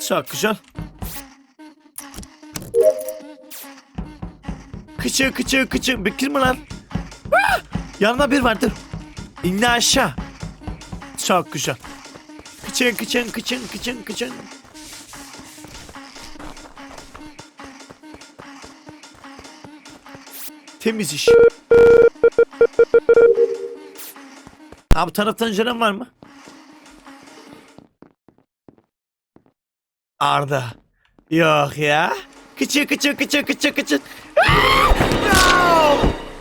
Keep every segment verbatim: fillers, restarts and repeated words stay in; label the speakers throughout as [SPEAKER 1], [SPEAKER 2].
[SPEAKER 1] Çok güzel. Kıçı kıçı kıçı. Bekir mi lan? Ah! Yanına bir vardır. İnne aşağı. Çok güzel. Kıçın kıçın kıçın kıçın kıçın. Temiz iş. Ha bu taraftan gelen var mı? Arda. Yok ya. Kıçı kıçı kıçı kıçı kıçı. No!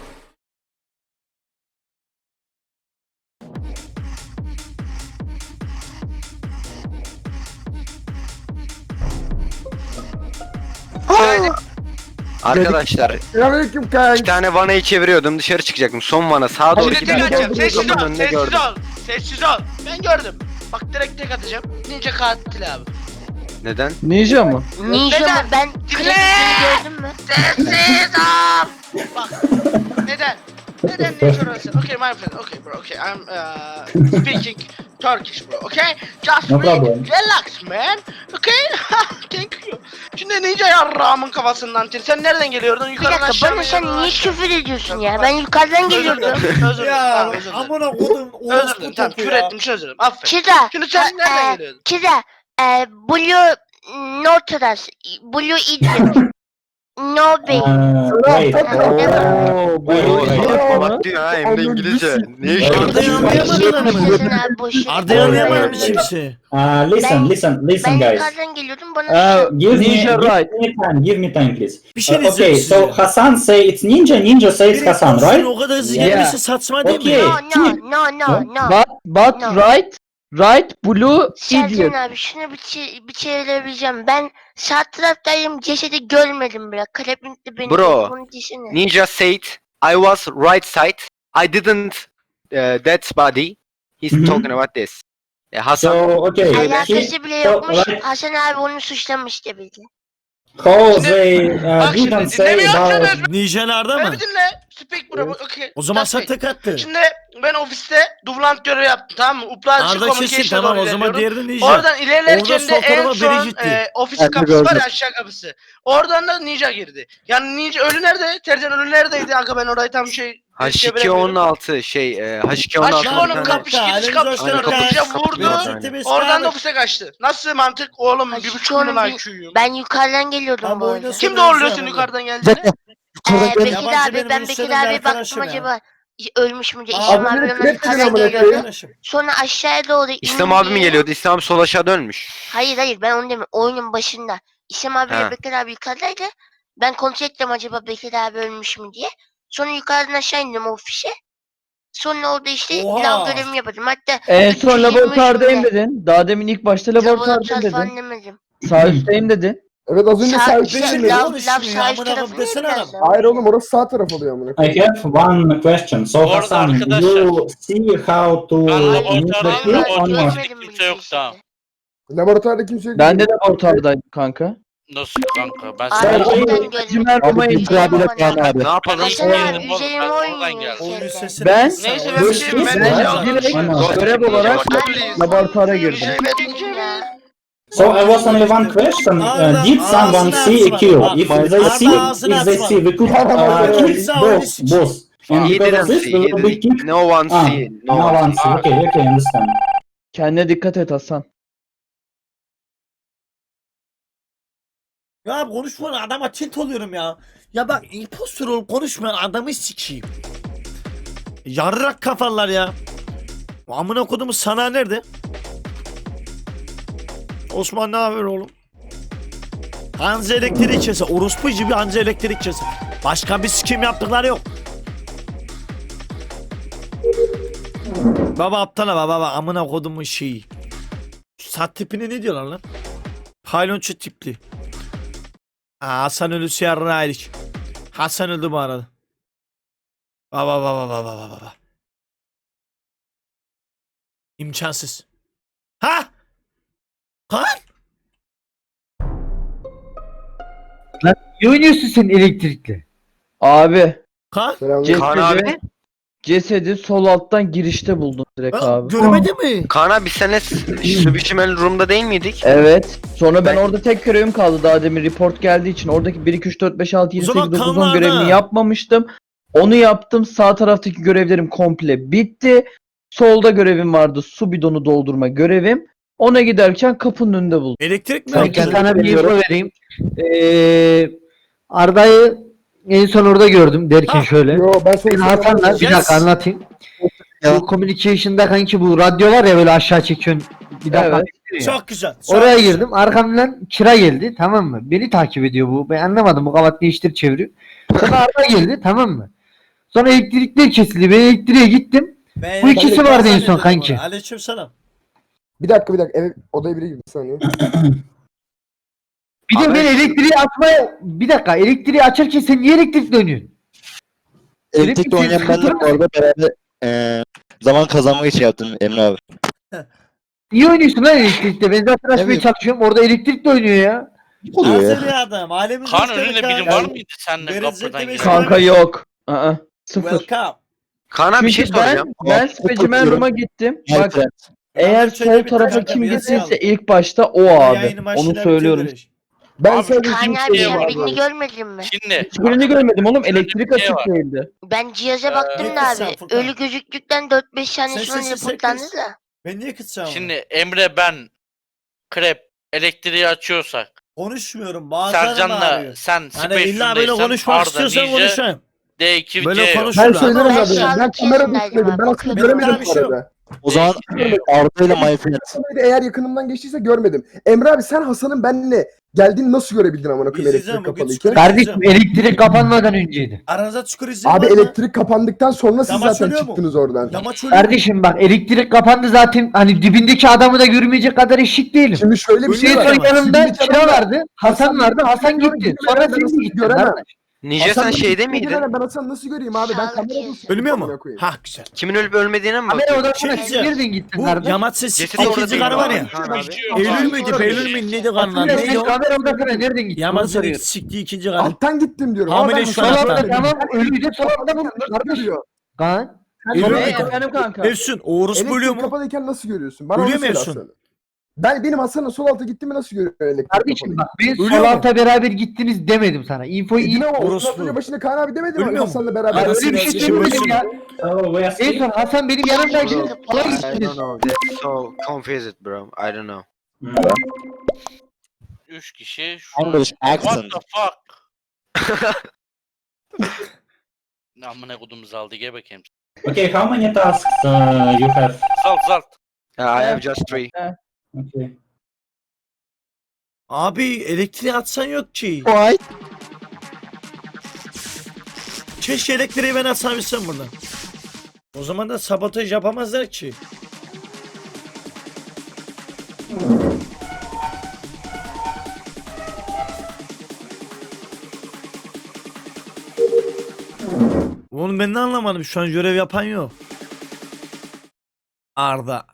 [SPEAKER 2] Arkadaşlar
[SPEAKER 3] Selamünaleyküm kanka.
[SPEAKER 2] iki tane vanayı çeviriyordum, dışarı çıkacaktım. Son vana sağa doğru
[SPEAKER 3] Hadi
[SPEAKER 4] Şimdi
[SPEAKER 2] giderken
[SPEAKER 4] tek atacağım. Sessiz
[SPEAKER 2] kapının
[SPEAKER 4] ol.
[SPEAKER 2] önünde
[SPEAKER 4] Sessiz
[SPEAKER 2] gördüm.
[SPEAKER 4] ol. Sessiz ol. Ben gördüm. Bak direkt tek atacağım. Ninja katil abi.
[SPEAKER 2] Neden?
[SPEAKER 3] Ninja mı?
[SPEAKER 5] Ninja
[SPEAKER 4] Neden?
[SPEAKER 5] mı? Ben
[SPEAKER 4] Dinle!
[SPEAKER 5] klasikleri gördün mü?
[SPEAKER 4] Sessiz ol. Bak. Neden? Neden ninja orası? Okay my friend. Okay bro. Okay I'm uh, speaking Turkish bro. Okay? Just
[SPEAKER 6] No
[SPEAKER 4] breathe.
[SPEAKER 6] problem.
[SPEAKER 4] Relax man. Okay? Thank you. Şimdi ninja yarrağımın kafasından tir. Sen nereden geliyordun?
[SPEAKER 5] Bir
[SPEAKER 4] Yukarıdan
[SPEAKER 5] dakika
[SPEAKER 4] aşağı mı?
[SPEAKER 5] bana sen
[SPEAKER 4] yukarıdan
[SPEAKER 5] niye
[SPEAKER 4] aşağı mı?
[SPEAKER 5] küfür ediyorsun ya? Ben yukarıdan
[SPEAKER 4] Özür
[SPEAKER 5] geliyordum.
[SPEAKER 4] dilerim. Özür dilerim.
[SPEAKER 1] Ya
[SPEAKER 4] Tamam, özür dilerim.
[SPEAKER 1] amına kodum.
[SPEAKER 4] Özür dilerim. Tamam küfür ettim. Özür dilerim. Aferin.
[SPEAKER 5] Kira.
[SPEAKER 4] Şimdi sen
[SPEAKER 5] e,
[SPEAKER 4] nereden
[SPEAKER 5] e,
[SPEAKER 4] geliyordun?
[SPEAKER 5] Kira. E, Blue Notaras. Blue Idiot. No Bey.
[SPEAKER 6] Uh, wait.
[SPEAKER 3] Oo, bu
[SPEAKER 6] Wait,
[SPEAKER 2] Oo,
[SPEAKER 6] wait.
[SPEAKER 3] Ninja
[SPEAKER 2] bak
[SPEAKER 3] mı?
[SPEAKER 2] diyor ha, hem de İngilizce. Ne iş
[SPEAKER 6] Arda
[SPEAKER 1] Arda
[SPEAKER 2] yapıyorsun?
[SPEAKER 1] yanlayamadı mı?
[SPEAKER 5] abi boş ver.
[SPEAKER 1] Arda yanlayamadı mı kimse?
[SPEAKER 6] Uh, listen,
[SPEAKER 5] Ben-
[SPEAKER 6] listen,
[SPEAKER 5] Ben
[SPEAKER 6] listen, guys.
[SPEAKER 5] yukarıdan geliyordum bana
[SPEAKER 3] Ee,
[SPEAKER 6] Give me,
[SPEAKER 3] Ninja
[SPEAKER 6] give
[SPEAKER 3] right.
[SPEAKER 6] me time. Give me time, please.
[SPEAKER 1] Bir şey
[SPEAKER 6] Uh,
[SPEAKER 1] diyeceğim
[SPEAKER 6] okay,
[SPEAKER 1] size.
[SPEAKER 6] so Hasan say it's ninja. Ninja says
[SPEAKER 1] Biri
[SPEAKER 6] Hasan,
[SPEAKER 1] konuşsun,
[SPEAKER 6] right?
[SPEAKER 1] O kadar hızlı
[SPEAKER 3] Yeah.
[SPEAKER 1] gelmesi saçma değil
[SPEAKER 6] Okay.
[SPEAKER 1] mi?
[SPEAKER 5] No no no no no.
[SPEAKER 3] But, but
[SPEAKER 5] No.
[SPEAKER 3] right, right, blue,
[SPEAKER 5] Sercan
[SPEAKER 3] idiot.
[SPEAKER 5] abi şunu bir, çe- bir çevirebileceğim. Ben sağ taraftayım, cesedi görmedim bile. Kalebintli benim.
[SPEAKER 2] Bro,
[SPEAKER 5] Bunun dişini.
[SPEAKER 2] Ninja said I was right side. I didn't uh, that body. He's
[SPEAKER 6] Mhm.
[SPEAKER 2] talking about this. Ya Hasan
[SPEAKER 6] So, okay.
[SPEAKER 2] Söyle.
[SPEAKER 5] Alakası bile
[SPEAKER 6] So,
[SPEAKER 5] yokmuş.
[SPEAKER 6] right,
[SPEAKER 5] Hasan abi onu suçlamış gibi.
[SPEAKER 6] how
[SPEAKER 4] Şimdi-
[SPEAKER 6] they uh,
[SPEAKER 4] Bak şimdi
[SPEAKER 6] didn't say
[SPEAKER 4] dinlemiyorsunuz.
[SPEAKER 6] about...
[SPEAKER 1] Ninjalarda
[SPEAKER 4] Beni
[SPEAKER 1] mı?
[SPEAKER 4] bir dinle. Speak bro. Okay.
[SPEAKER 1] O zaman
[SPEAKER 4] Just
[SPEAKER 1] sen
[SPEAKER 4] speak.
[SPEAKER 1] tek attı.
[SPEAKER 4] Şimdi ben ofiste dublant görevi yaptım tamam mı? Uplanşı
[SPEAKER 1] Arda kesin
[SPEAKER 4] communication'a
[SPEAKER 1] tamam
[SPEAKER 4] doğru
[SPEAKER 1] o zaman
[SPEAKER 4] ilerliyorum.
[SPEAKER 1] diğeri de ninja.
[SPEAKER 4] Oradan ilerlerken
[SPEAKER 1] Orada
[SPEAKER 4] de
[SPEAKER 1] sol
[SPEAKER 4] en
[SPEAKER 1] tarafa biri
[SPEAKER 4] son
[SPEAKER 1] gitti.
[SPEAKER 4] e, ofis
[SPEAKER 3] Ben de
[SPEAKER 4] kapısı var
[SPEAKER 3] gördüm.
[SPEAKER 4] ya aşağı kapısı. Oradan da ninja girdi. Yani ninja ölü nerede? Tercan ölü neredeydi? Kanka ben orayı tam şey
[SPEAKER 2] H iki
[SPEAKER 4] çeviremiyorum.
[SPEAKER 2] on altı şey e, H iki on
[SPEAKER 4] H
[SPEAKER 2] altı
[SPEAKER 4] iki
[SPEAKER 2] bir
[SPEAKER 4] onun
[SPEAKER 2] tane-
[SPEAKER 4] kapış gidiş
[SPEAKER 1] Elinizi
[SPEAKER 4] kapısına
[SPEAKER 1] hoş
[SPEAKER 2] geldiniz.
[SPEAKER 4] ninja
[SPEAKER 2] Kapı-
[SPEAKER 4] vurdu.
[SPEAKER 2] kapı-
[SPEAKER 4] Oradan da ofise kaçtı. Nasıl mantık oğlum?
[SPEAKER 5] H
[SPEAKER 4] Bir
[SPEAKER 5] iki
[SPEAKER 4] buçuk
[SPEAKER 5] onun
[SPEAKER 4] milyon
[SPEAKER 5] bir-
[SPEAKER 4] I Q'yum.
[SPEAKER 5] Ben yukarıdan geliyordum
[SPEAKER 1] Abi
[SPEAKER 5] bu arada.
[SPEAKER 1] oynasın.
[SPEAKER 4] Kim doğruluyorsun yukarıdan geldiğini?
[SPEAKER 5] Ee, Bekir
[SPEAKER 1] Yabancı
[SPEAKER 5] abi
[SPEAKER 1] benim
[SPEAKER 5] ben
[SPEAKER 1] listemde
[SPEAKER 5] Bekir abi baktım
[SPEAKER 1] arkadaşım ya.
[SPEAKER 5] acaba ölmüş mü diye.
[SPEAKER 1] Abi
[SPEAKER 5] İslam abi
[SPEAKER 3] benim
[SPEAKER 5] ona
[SPEAKER 3] hep
[SPEAKER 5] yukarıdan
[SPEAKER 3] amına
[SPEAKER 5] geliyordu.
[SPEAKER 3] koyayım.
[SPEAKER 5] Sonra aşağıya doğru
[SPEAKER 2] İslam abi mi
[SPEAKER 5] indi.
[SPEAKER 2] geliyordu? İslam abi sol aşağı dönmüş.
[SPEAKER 5] Hayır hayır ben onu demiyorum. Oyunun başında. İslam abiyle
[SPEAKER 2] Ha.
[SPEAKER 5] Bekir abi yukarıdaydı. Ben kontrol ettim acaba Bekir abi ölmüş mü diye. Sonra yukarıdan aşağı indim ofise. Sonra orada işte
[SPEAKER 1] Oha.
[SPEAKER 5] lav görevimi yapıyordum. Hatta
[SPEAKER 3] En
[SPEAKER 5] üç
[SPEAKER 3] son
[SPEAKER 5] yüz yirmi üç
[SPEAKER 3] laboratuvardayım
[SPEAKER 5] günde
[SPEAKER 3] dedin. Daha demin ilk başta laboratuvardayım
[SPEAKER 5] laboratuvar
[SPEAKER 3] dedin.
[SPEAKER 5] falan demedim.
[SPEAKER 3] Sağ üstteyim dedin.
[SPEAKER 7] Evet az önce
[SPEAKER 5] Sağ-
[SPEAKER 7] sağ
[SPEAKER 5] sağ-
[SPEAKER 7] üstteydim
[SPEAKER 1] Lav-
[SPEAKER 7] dedim.
[SPEAKER 5] lav,
[SPEAKER 1] konuşmuyor
[SPEAKER 5] lav
[SPEAKER 1] ya,
[SPEAKER 5] sağ
[SPEAKER 1] amına
[SPEAKER 5] üst
[SPEAKER 1] koyayım
[SPEAKER 5] tarafı
[SPEAKER 1] desene
[SPEAKER 5] biraz
[SPEAKER 1] adam.
[SPEAKER 5] daha.
[SPEAKER 7] Hayır oğlum orası sağ taraf oluyor amına.
[SPEAKER 6] I have one question. So
[SPEAKER 8] Bu arada
[SPEAKER 6] Hasan,
[SPEAKER 8] arkadaşlar-
[SPEAKER 6] you see how to
[SPEAKER 8] Ben
[SPEAKER 6] use
[SPEAKER 8] laboratuvarda
[SPEAKER 6] the cube
[SPEAKER 5] Vallahi
[SPEAKER 6] on
[SPEAKER 8] laboratuvarda
[SPEAKER 6] what?
[SPEAKER 5] görmedim
[SPEAKER 8] kimse
[SPEAKER 5] bile
[SPEAKER 8] yok
[SPEAKER 5] işte.
[SPEAKER 8] daha.
[SPEAKER 7] Laboratuvarda kimse yok.
[SPEAKER 3] Ben de laboratuvardaydım kanka.
[SPEAKER 8] Nasıl kanka? Ben
[SPEAKER 5] Abi
[SPEAKER 6] Sen-
[SPEAKER 8] sana
[SPEAKER 5] cidden
[SPEAKER 6] Sen-
[SPEAKER 5] görmedim.
[SPEAKER 3] Cimer Roma'yı
[SPEAKER 5] Üzerime
[SPEAKER 3] itirafıyla
[SPEAKER 5] oynadım.
[SPEAKER 3] Kaan abi.
[SPEAKER 2] Ne yapalım?
[SPEAKER 5] Hasan
[SPEAKER 8] Ben
[SPEAKER 5] abi
[SPEAKER 8] yedim oğlum,
[SPEAKER 5] üzerime
[SPEAKER 8] ben oradan
[SPEAKER 5] oynuyor
[SPEAKER 8] geldim.
[SPEAKER 1] Oyun
[SPEAKER 5] içeriden.
[SPEAKER 1] sesini
[SPEAKER 3] Ben-
[SPEAKER 1] kıssana,
[SPEAKER 4] Neyse
[SPEAKER 1] oyun
[SPEAKER 4] ben bir
[SPEAKER 6] This
[SPEAKER 4] şey
[SPEAKER 6] is
[SPEAKER 4] ben
[SPEAKER 6] what-
[SPEAKER 4] de
[SPEAKER 3] Direkt
[SPEAKER 6] Aynen.
[SPEAKER 3] görev olarak
[SPEAKER 5] Abi,
[SPEAKER 3] laboratuvara girdim.
[SPEAKER 4] Ninja'yı ben ninja'yı.
[SPEAKER 6] So I was only one question.
[SPEAKER 1] Arda,
[SPEAKER 6] Uh, did someone
[SPEAKER 1] ağzını
[SPEAKER 6] see a
[SPEAKER 1] açma.
[SPEAKER 6] cube?
[SPEAKER 1] Bak,
[SPEAKER 6] If
[SPEAKER 1] Arda
[SPEAKER 6] they see,
[SPEAKER 1] ağzını
[SPEAKER 6] if they
[SPEAKER 1] açma.
[SPEAKER 6] see, we could uh,
[SPEAKER 7] Arda,
[SPEAKER 6] kill
[SPEAKER 1] kimse öyle
[SPEAKER 6] both,
[SPEAKER 1] sıçıyor.
[SPEAKER 6] both. And
[SPEAKER 2] He
[SPEAKER 6] because of
[SPEAKER 2] didn't
[SPEAKER 6] this,
[SPEAKER 2] see.
[SPEAKER 6] we
[SPEAKER 2] he
[SPEAKER 6] will be
[SPEAKER 2] didn't-
[SPEAKER 6] kicked.
[SPEAKER 2] No one
[SPEAKER 6] Ah,
[SPEAKER 2] see.
[SPEAKER 6] no
[SPEAKER 2] No one
[SPEAKER 6] one
[SPEAKER 2] see.
[SPEAKER 6] see. Okay, okay, understand.
[SPEAKER 3] Kendine dikkat et Hasan.
[SPEAKER 1] Ya konuşma adama tilt oluyorum ya. Ya bak impostor ol konuşma adamı sikeyim. Yarrak kafalar ya. Amına kodumu sana nerede? Osman ne haber oğlum? Hanzi elektrik kese. Orospu gibi Hanzi elektrik kese. Başka bir sikim yaptıkları yok. Baba aptala baba baba amına kodumun şeyi. Sat tipini ne diyorlar lan? Paylonçu tipli. Aa, Hasan ölüsü yarrağıydık. Hasan öldü bu arada. Baba baba baba baba baba. İmkansız. Ha? Kan?
[SPEAKER 9] Ne oynuyorsun sen elektrikle?
[SPEAKER 3] Abi.
[SPEAKER 1] Kan?
[SPEAKER 7] Selamünaleyküm.
[SPEAKER 2] Kaan
[SPEAKER 3] Cesedi,
[SPEAKER 2] abi.
[SPEAKER 3] Cesedi sol alttan girişte buldum direkt
[SPEAKER 1] Ha,
[SPEAKER 3] abi.
[SPEAKER 1] görmedi mi?
[SPEAKER 2] Kaan abi biz seninle Subişimel Room'da değil miydik?
[SPEAKER 3] Evet. Sonra ben
[SPEAKER 2] Ben-
[SPEAKER 3] orada tek görevim kaldı daha demin report geldiği için. Oradaki bir iki üç dört beş altı yedi
[SPEAKER 1] O zaman
[SPEAKER 3] sekiz dokuz on
[SPEAKER 1] kanlarda.
[SPEAKER 3] görevini yapmamıştım. Onu yaptım. Sağ taraftaki görevlerim komple bitti. Solda görevim vardı. Su bidonu doldurma görevim. Ona giderken kapının önünde buldum.
[SPEAKER 1] Elektrik mi?
[SPEAKER 3] Sanki
[SPEAKER 1] yaptı?
[SPEAKER 8] Ben sana bir
[SPEAKER 3] Biliyorum.
[SPEAKER 8] info vereyim. Ee, Arda'yı en son orada gördüm derken
[SPEAKER 1] Ha.
[SPEAKER 8] şöyle.
[SPEAKER 7] Yo ben
[SPEAKER 8] Ben
[SPEAKER 7] sonuçta
[SPEAKER 8] Hasan'la bir
[SPEAKER 1] Yes.
[SPEAKER 8] dakika anlatayım. Bu communication'da kanki bu radyo var ya böyle aşağı çekiyorsun. Bir dakika.
[SPEAKER 3] Evet.
[SPEAKER 1] Çok güzel. çok
[SPEAKER 8] Oraya
[SPEAKER 1] güzel.
[SPEAKER 8] girdim. Arkamdan Kira geldi tamam mı? Beni takip ediyor bu. Ben anlamadım bu kavat değiştir çeviriyor. Sonra Arda geldi tamam mı? Sonra elektrikler kesildi. Ben elektriğe gittim.
[SPEAKER 1] Ben
[SPEAKER 8] Bu ikisi
[SPEAKER 1] elektrik
[SPEAKER 8] vardı en son
[SPEAKER 1] zannediyordum
[SPEAKER 8] kanki.
[SPEAKER 1] onu. Aleykümselam.
[SPEAKER 7] Bir dakika bir dakika. Evet, odaya biri girdi bir saniye.
[SPEAKER 8] Bir de
[SPEAKER 2] Abi-
[SPEAKER 8] ben elektriği açmaya... Bir dakika elektriği açarken sen niye elektrik dönüyorsun?
[SPEAKER 9] Elektrikle oynayan benle bu arada beraber eee zaman kazanmak için yaptım Emre abi.
[SPEAKER 8] Niye oynuyorsun lan elektrikte? Ben zaten açmaya
[SPEAKER 9] Evet.
[SPEAKER 8] çalışıyorum. Orada elektrikle oynuyor ya.
[SPEAKER 9] Oluyor ya.
[SPEAKER 1] Hazır ya adam. Alemin
[SPEAKER 10] Kaan
[SPEAKER 1] dostları
[SPEAKER 10] önünde
[SPEAKER 1] Kaan.
[SPEAKER 10] biri var mıydı seninle
[SPEAKER 1] Verin
[SPEAKER 10] kapıdan
[SPEAKER 1] zevkle
[SPEAKER 10] giren?
[SPEAKER 1] besin.
[SPEAKER 3] Kanka yok. Aa, sıfır.
[SPEAKER 1] Welcome.
[SPEAKER 2] Kaan abi bir şey
[SPEAKER 3] Çünkü ben,
[SPEAKER 2] soracağım.
[SPEAKER 3] ben Specimen Room'a gittim.
[SPEAKER 9] My
[SPEAKER 3] Bak
[SPEAKER 9] friend.
[SPEAKER 3] eğer
[SPEAKER 1] Şöyle
[SPEAKER 3] sol
[SPEAKER 1] bir
[SPEAKER 3] tarafa
[SPEAKER 1] kanka,
[SPEAKER 3] kim
[SPEAKER 1] bir yazı
[SPEAKER 3] gittiyse
[SPEAKER 1] al.
[SPEAKER 3] ilk başta o abi.
[SPEAKER 1] Yayını başına
[SPEAKER 3] Onu söylüyorum.
[SPEAKER 1] bitiririz.
[SPEAKER 7] Ben
[SPEAKER 10] Abi,
[SPEAKER 7] sadece
[SPEAKER 5] Kaan
[SPEAKER 7] şunu
[SPEAKER 5] abi
[SPEAKER 7] söyleyeyim
[SPEAKER 5] sen
[SPEAKER 7] abi.
[SPEAKER 5] birini görmedin mi?
[SPEAKER 10] Şimdi
[SPEAKER 3] Hiçbirini görmedim oğlum. Elektrik
[SPEAKER 10] bir şey
[SPEAKER 3] açık
[SPEAKER 10] var.
[SPEAKER 3] değildi.
[SPEAKER 5] Ben cihaza baktım
[SPEAKER 1] ne
[SPEAKER 5] da
[SPEAKER 1] kızsan
[SPEAKER 5] abi.
[SPEAKER 1] Furkan?
[SPEAKER 5] Ölü gözüktükten dört beş saniye
[SPEAKER 1] Sen-
[SPEAKER 5] sonra
[SPEAKER 1] sen- sen-
[SPEAKER 5] reportlandı
[SPEAKER 1] kız.
[SPEAKER 5] da.
[SPEAKER 1] Ben niye kıtsam?
[SPEAKER 10] şimdi Emre ben Krep elektriği açıyorsak
[SPEAKER 1] Konuşmuyorum. Bazen
[SPEAKER 10] Sercan'la sen
[SPEAKER 1] Hani illa böyle
[SPEAKER 10] Space'undaysan
[SPEAKER 1] konuşmak
[SPEAKER 10] Arda
[SPEAKER 1] istiyorsan
[SPEAKER 10] Ninja
[SPEAKER 1] konuşayım.
[SPEAKER 10] D iki
[SPEAKER 1] Böyle
[SPEAKER 10] C yok.
[SPEAKER 1] konuş-
[SPEAKER 7] Ben
[SPEAKER 1] Şurada.
[SPEAKER 7] söylerim
[SPEAKER 5] Ben
[SPEAKER 7] abi.
[SPEAKER 5] şu an
[SPEAKER 7] Ben kamera
[SPEAKER 5] içerisindeydim
[SPEAKER 7] dışındaydım.
[SPEAKER 5] abi,
[SPEAKER 7] Ben aslında
[SPEAKER 5] bakıyordum.
[SPEAKER 7] göremedim
[SPEAKER 1] Ben bir
[SPEAKER 7] bu
[SPEAKER 1] şey yok.
[SPEAKER 7] arada.
[SPEAKER 9] O zaman Arda ile My friend.
[SPEAKER 7] Hasan'ı eğer yakınımdan geçtiyse görmedim. Emre abi sen Hasan'ın benimle geldiğini nasıl görebildin amına koyayım
[SPEAKER 1] İzleyeceğim
[SPEAKER 7] elektrik
[SPEAKER 1] bugün
[SPEAKER 7] kapalıyken?
[SPEAKER 1] çıkıyor.
[SPEAKER 8] Kardeşim elektrik kapanmadan önceydi.
[SPEAKER 1] Aranızda çukur izleyin
[SPEAKER 7] Abi
[SPEAKER 1] var mı?
[SPEAKER 7] elektrik kapandıktan sonra siz
[SPEAKER 1] Yamaç
[SPEAKER 7] zaten
[SPEAKER 1] ölüyor mu?
[SPEAKER 7] çıktınız oradan.
[SPEAKER 1] Yamaç ölüyor mu?
[SPEAKER 8] Kardeşim bak elektrik kapandı zaten hani dibindeki adamı da görmeyecek kadar eşit değilim.
[SPEAKER 7] Şimdi şöyle bir
[SPEAKER 1] Ölüyor
[SPEAKER 7] şey
[SPEAKER 8] En
[SPEAKER 1] mu?
[SPEAKER 7] var.
[SPEAKER 8] son yanımda
[SPEAKER 7] Dibindeki
[SPEAKER 8] Kira
[SPEAKER 7] adam-
[SPEAKER 8] vardı, Hasan vardı, Hasan gitti. Sonra
[SPEAKER 7] Ben
[SPEAKER 8] sen
[SPEAKER 7] nasıl
[SPEAKER 8] de gittin.
[SPEAKER 7] göremem?
[SPEAKER 8] kardeş.
[SPEAKER 2] Ninja
[SPEAKER 7] Hasan
[SPEAKER 2] sen
[SPEAKER 7] nasıl-
[SPEAKER 2] şeyde miydin?
[SPEAKER 7] Ben Hasan nasıl göreyim abi? Ben
[SPEAKER 5] Sağlık
[SPEAKER 7] kamerada
[SPEAKER 5] kesin.
[SPEAKER 1] Ölmüyor
[SPEAKER 7] amına
[SPEAKER 1] mu?
[SPEAKER 7] koyayım.
[SPEAKER 1] Ha güzel.
[SPEAKER 2] Kimin ölüp ölmediğine mi
[SPEAKER 8] Kamera
[SPEAKER 2] bakıyorsun?
[SPEAKER 8] odasına
[SPEAKER 1] Şey
[SPEAKER 8] sen
[SPEAKER 1] diyeceğim.
[SPEAKER 8] nereden gittin
[SPEAKER 1] Bu
[SPEAKER 8] kardeş?
[SPEAKER 1] Yamaç ses
[SPEAKER 2] Cesedi orada
[SPEAKER 1] ikinci
[SPEAKER 2] değil
[SPEAKER 1] karı var
[SPEAKER 2] mi?
[SPEAKER 1] ya.
[SPEAKER 2] Kaan abi.
[SPEAKER 1] Eylül müydü? Beylül müydü? Neydi kanlar?
[SPEAKER 8] Hatırlıyor
[SPEAKER 1] Neydi
[SPEAKER 8] musun?
[SPEAKER 1] o?
[SPEAKER 8] Kamera odasına nereden gittin? Onu
[SPEAKER 1] Yamaç'ın
[SPEAKER 8] soruyorum.
[SPEAKER 1] siktiği ikinci karı.
[SPEAKER 7] Alttan gittim diyorum.
[SPEAKER 1] Hamile
[SPEAKER 7] Ama ben
[SPEAKER 1] şu an
[SPEAKER 7] Hasan'ı
[SPEAKER 1] hatta.
[SPEAKER 8] Sonra
[SPEAKER 7] görmedim.
[SPEAKER 8] tamam ölüyü de sonra bulmuş
[SPEAKER 7] Nasıl
[SPEAKER 8] kardeş.
[SPEAKER 7] görüyor?
[SPEAKER 8] Kaan.
[SPEAKER 1] Eylül
[SPEAKER 3] Sonra
[SPEAKER 1] müydü?
[SPEAKER 3] efendim kanka.
[SPEAKER 1] Efsun. O orospu ölüyor
[SPEAKER 7] Elektrik
[SPEAKER 1] mu?
[SPEAKER 7] kapalıyken nasıl görüyorsun? Bana
[SPEAKER 1] Ölüyor
[SPEAKER 7] onu söyle
[SPEAKER 1] mu Efsun?
[SPEAKER 7] Hasan'ı. Ben benim Hasan'ın sol alta gittiğimi nasıl görüyor elektrik
[SPEAKER 8] Kardeşim
[SPEAKER 7] kapalı?
[SPEAKER 8] bak ben
[SPEAKER 1] Ölüyor
[SPEAKER 8] sol
[SPEAKER 1] mu?
[SPEAKER 8] alta beraber gittiniz demedim sana. Infoyu iyi.
[SPEAKER 7] Yine o
[SPEAKER 1] Orospu.
[SPEAKER 7] orospu. Başında Kaan abi demedi mi?
[SPEAKER 1] Ölmüyor mu?
[SPEAKER 7] Hasan'la
[SPEAKER 8] Ben
[SPEAKER 7] beraber.
[SPEAKER 1] Arası
[SPEAKER 8] öyle bir
[SPEAKER 1] biraz
[SPEAKER 8] şey
[SPEAKER 1] geçiyor.
[SPEAKER 8] söylemedim ya.
[SPEAKER 6] Oh, we are
[SPEAKER 8] En son Hasan benim yanımdaydı.
[SPEAKER 5] Bro,
[SPEAKER 8] Sola
[SPEAKER 2] I
[SPEAKER 8] gittiniz.
[SPEAKER 2] don't know. That's so confused bro. I don't know.
[SPEAKER 10] Üç kişi şu
[SPEAKER 9] English
[SPEAKER 10] What
[SPEAKER 9] accent.
[SPEAKER 10] the fuck? Amına kodumuz aldı gel bakayım.
[SPEAKER 6] Okay, how many tasks uh, you have?
[SPEAKER 10] Zalt zalt.
[SPEAKER 2] Yeah, I have just three.
[SPEAKER 6] Okay.
[SPEAKER 1] Abi elektriği atsan yok ki.
[SPEAKER 9] Why?
[SPEAKER 1] Keşke elektriği ben atsabilsem buradan. O zaman da sabotaj yapamazlar ki. Oğlum ben de anlamadım. Şu an görev yapan yok. Arda.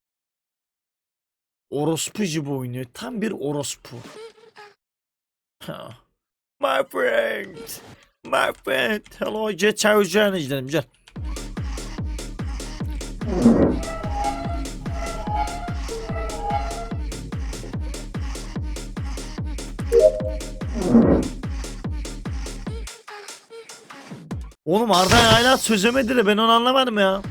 [SPEAKER 1] Orospu gibi oynuyor. Tam bir orospu. Ha. My friend. My friend. Hello. Jet çağıracağını izledim. Gel. Oğlum Arda hala çözemediler. Ben onu anlamadım ya.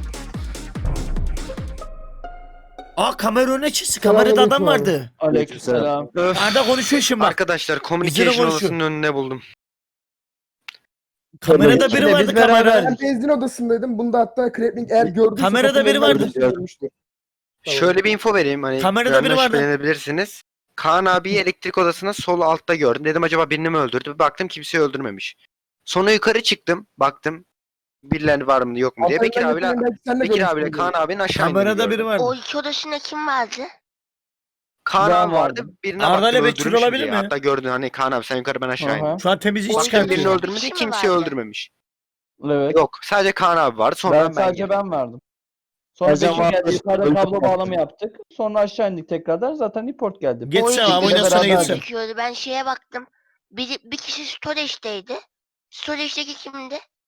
[SPEAKER 1] Aa kamera önüne çıktı. Kamerada adam vardı.
[SPEAKER 3] Aleykümselam.
[SPEAKER 2] Öf.
[SPEAKER 1] Arda konuşuyor şimdi bak.
[SPEAKER 2] Arkadaşlar
[SPEAKER 1] Bizle
[SPEAKER 2] communication
[SPEAKER 1] konuşuyor.
[SPEAKER 2] odasının önüne buldum.
[SPEAKER 1] Kamerada biri
[SPEAKER 3] Biz
[SPEAKER 1] vardı
[SPEAKER 3] beraber-
[SPEAKER 1] kamera.
[SPEAKER 7] Ben benzin odasındaydım. Bunda hatta Krepling eğer gördüyse...
[SPEAKER 1] Kamerada
[SPEAKER 7] kapının
[SPEAKER 1] biri
[SPEAKER 7] önünden
[SPEAKER 1] vardı.
[SPEAKER 7] geçip görmüştür. Tamam.
[SPEAKER 2] Şöyle bir info vereyim hani
[SPEAKER 1] Kamerada
[SPEAKER 2] benden
[SPEAKER 1] biri vardı.
[SPEAKER 2] şüphelenebilirsiniz. Kaan abiyi elektrik odasına sol altta gördüm. Dedim acaba birini mi öldürdü? Bir baktım kimseyi öldürmemiş. Sonra yukarı çıktım. Baktım birileri var mı yok mu diye.
[SPEAKER 7] Hasan'ın
[SPEAKER 2] Bekir abiyle
[SPEAKER 7] yakınından belki sen de
[SPEAKER 2] Bekir abiyle
[SPEAKER 7] görmüşsündür.
[SPEAKER 2] Kaan abinin aşağı indiğini
[SPEAKER 1] Kamerada
[SPEAKER 2] gördüm.
[SPEAKER 1] biri vardı.
[SPEAKER 5] O iki odasında kim vardı?
[SPEAKER 2] Kaan
[SPEAKER 3] Ben
[SPEAKER 2] abi vardı.
[SPEAKER 3] vardım.
[SPEAKER 2] Birine
[SPEAKER 1] Arda
[SPEAKER 2] baktım
[SPEAKER 1] ile Betül
[SPEAKER 2] öldürmüş
[SPEAKER 1] olabilir
[SPEAKER 2] diye.
[SPEAKER 1] mi?
[SPEAKER 2] Hatta gördün hani Kaan abi sen yukarı ben aşağı indim.
[SPEAKER 3] Aha.
[SPEAKER 1] Şu an temizlik
[SPEAKER 2] Baktım birini
[SPEAKER 1] çıkartıyor.
[SPEAKER 2] öldürmedi
[SPEAKER 5] Kişi mi
[SPEAKER 2] kimseyi
[SPEAKER 5] vardı?
[SPEAKER 2] öldürmemiş.
[SPEAKER 3] Evet.
[SPEAKER 2] Yok sadece Kaan abi vardı sonra
[SPEAKER 3] Ben
[SPEAKER 2] ben,
[SPEAKER 3] sadece
[SPEAKER 2] girdim.
[SPEAKER 3] ben vardım. Sonra
[SPEAKER 8] Ercan
[SPEAKER 3] Bekir
[SPEAKER 8] vardı.
[SPEAKER 3] geldi. Yukarıda
[SPEAKER 8] Öldü
[SPEAKER 3] kablo
[SPEAKER 8] yaptık.
[SPEAKER 3] bağlama yaptık. Sonra aşağı indik tekrardan. Zaten report geldi.
[SPEAKER 1] Geç
[SPEAKER 5] O
[SPEAKER 1] sen
[SPEAKER 5] iki
[SPEAKER 1] abi,
[SPEAKER 5] kişi
[SPEAKER 1] oyna sana
[SPEAKER 3] beraber-
[SPEAKER 1] geçsin.
[SPEAKER 5] gözüküyordu. Ben şeye baktım. Bir, bir kişi storage'deydi. Storage'deki kimdi?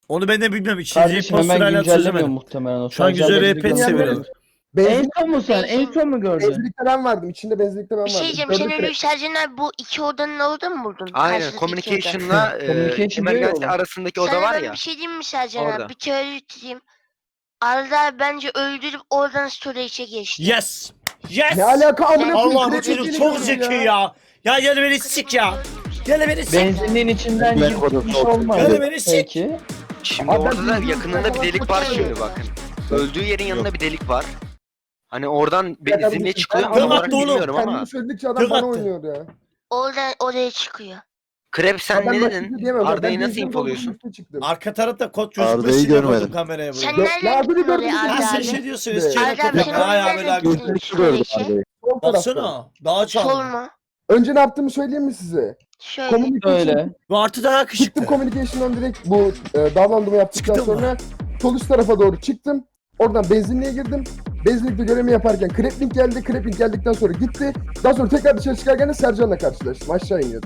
[SPEAKER 1] Onu ben de bilmem. İkinci
[SPEAKER 3] Kardeşim hemen
[SPEAKER 1] postür hala
[SPEAKER 3] güncellemiyor
[SPEAKER 1] çözemedim.
[SPEAKER 3] muhtemelen o.
[SPEAKER 1] Şu an
[SPEAKER 3] Sadece
[SPEAKER 1] güzel
[SPEAKER 3] haberi
[SPEAKER 1] R P
[SPEAKER 3] gönderiyor.
[SPEAKER 1] seviyorum.
[SPEAKER 3] En
[SPEAKER 7] Benzin,
[SPEAKER 3] son mu sen? En son mu gördün?
[SPEAKER 7] benzinlikte ben vardım. İçinde benzinlikte ben
[SPEAKER 5] Bir şey
[SPEAKER 7] vardım.
[SPEAKER 5] diyeceğim. Sen
[SPEAKER 7] Gördüm
[SPEAKER 5] ölüyü Sercan abi bu iki odanın orada mı buldun?
[SPEAKER 2] Aynen
[SPEAKER 5] Karşılıklı iki oda.
[SPEAKER 2] communication'la e,
[SPEAKER 3] Communication diyor ya
[SPEAKER 2] emergency
[SPEAKER 3] oğlum.
[SPEAKER 2] arasındaki oda
[SPEAKER 5] Sana
[SPEAKER 2] var
[SPEAKER 5] ben
[SPEAKER 2] ya.
[SPEAKER 5] bir şey diyeyim mi Sercan
[SPEAKER 2] Orada.
[SPEAKER 5] abi? Bir teori tutayım. Arda abi bence öldürüp oradan storage'e geçti.
[SPEAKER 1] Yes. Yes.
[SPEAKER 7] Ne alaka amına koyayım?
[SPEAKER 1] Allah bu
[SPEAKER 7] Krep
[SPEAKER 1] çocuk
[SPEAKER 7] yediğini
[SPEAKER 1] çok
[SPEAKER 7] gördüm
[SPEAKER 1] zeki ya. Ya gel beni sik ya. Gel beni sik.
[SPEAKER 3] Benzinliğin içinden
[SPEAKER 9] Ben
[SPEAKER 3] gitmiş
[SPEAKER 9] odası
[SPEAKER 3] olmadı.
[SPEAKER 1] Öyle beni sik.
[SPEAKER 3] Peki.
[SPEAKER 2] Şimdi
[SPEAKER 7] Abi ben
[SPEAKER 2] orada da
[SPEAKER 7] bildiğim
[SPEAKER 2] yakınında bir
[SPEAKER 7] kadar
[SPEAKER 2] delik var
[SPEAKER 5] oturuyorum.
[SPEAKER 2] şimdi bakın. Öldüğü yerin yanında bir delik var. Hani oradan
[SPEAKER 7] Ya
[SPEAKER 2] benzinliğe
[SPEAKER 7] kardeşim,
[SPEAKER 2] çıkıyor mu
[SPEAKER 7] sen
[SPEAKER 1] Kırmak
[SPEAKER 2] olarak
[SPEAKER 1] da oğlum.
[SPEAKER 2] bilmiyorum ama.
[SPEAKER 7] Kendini söyledikçe adam
[SPEAKER 1] Tık
[SPEAKER 7] bana
[SPEAKER 1] attı.
[SPEAKER 7] oynuyor ya.
[SPEAKER 5] Oradan oraya çıkıyor.
[SPEAKER 2] Krep sen
[SPEAKER 7] Adam
[SPEAKER 2] ne
[SPEAKER 7] başka bir
[SPEAKER 2] dedin?
[SPEAKER 7] şey diyemem. Ben
[SPEAKER 2] Arda'yı nasıl
[SPEAKER 7] benzinliğin
[SPEAKER 2] infoluyorsun?
[SPEAKER 7] olduğu üstüne çıktım.
[SPEAKER 1] Arka tarafta kod
[SPEAKER 9] Arda'yı
[SPEAKER 1] gözükmesini yapıyordum
[SPEAKER 9] görmedim.
[SPEAKER 1] kameraya
[SPEAKER 5] Sen
[SPEAKER 1] buraya.
[SPEAKER 7] Ya
[SPEAKER 5] nereden
[SPEAKER 7] abi
[SPEAKER 5] gittin
[SPEAKER 7] bir
[SPEAKER 5] oraya
[SPEAKER 7] gördüm,
[SPEAKER 1] Ha
[SPEAKER 5] Arda
[SPEAKER 1] sen
[SPEAKER 5] abi?
[SPEAKER 1] şey diyorsun.
[SPEAKER 7] Evet.
[SPEAKER 1] Eskiden
[SPEAKER 5] Arda abi
[SPEAKER 1] kod
[SPEAKER 5] sen
[SPEAKER 1] yapma. Hay abi
[SPEAKER 5] nereden
[SPEAKER 1] daha
[SPEAKER 5] gittin
[SPEAKER 9] Gözünü
[SPEAKER 5] storage'e?
[SPEAKER 9] gördüm.
[SPEAKER 7] Sol tarafta.
[SPEAKER 1] Baksana. Daha
[SPEAKER 5] Sol
[SPEAKER 1] çaldı.
[SPEAKER 5] mu?
[SPEAKER 7] Önce ne yaptığımı söyleyeyim mi size?
[SPEAKER 5] Şöyle.
[SPEAKER 7] Communication.
[SPEAKER 3] Öyle.
[SPEAKER 1] Bu artı daha
[SPEAKER 7] Çıktım
[SPEAKER 1] küçüktü.
[SPEAKER 7] communication'dan direkt bu e, davranımı yaptıktan
[SPEAKER 1] Çıktın mı?
[SPEAKER 7] sonra sol üst tarafa doğru çıktım. Oradan benzinliğe girdim. Benzinlikte görevimi yaparken Kreplink geldi. Kreplink geldikten sonra gitti. Daha sonra tekrar dışarı çıkarken de Sercan'la karşılaştım. Aşağı iniyordu.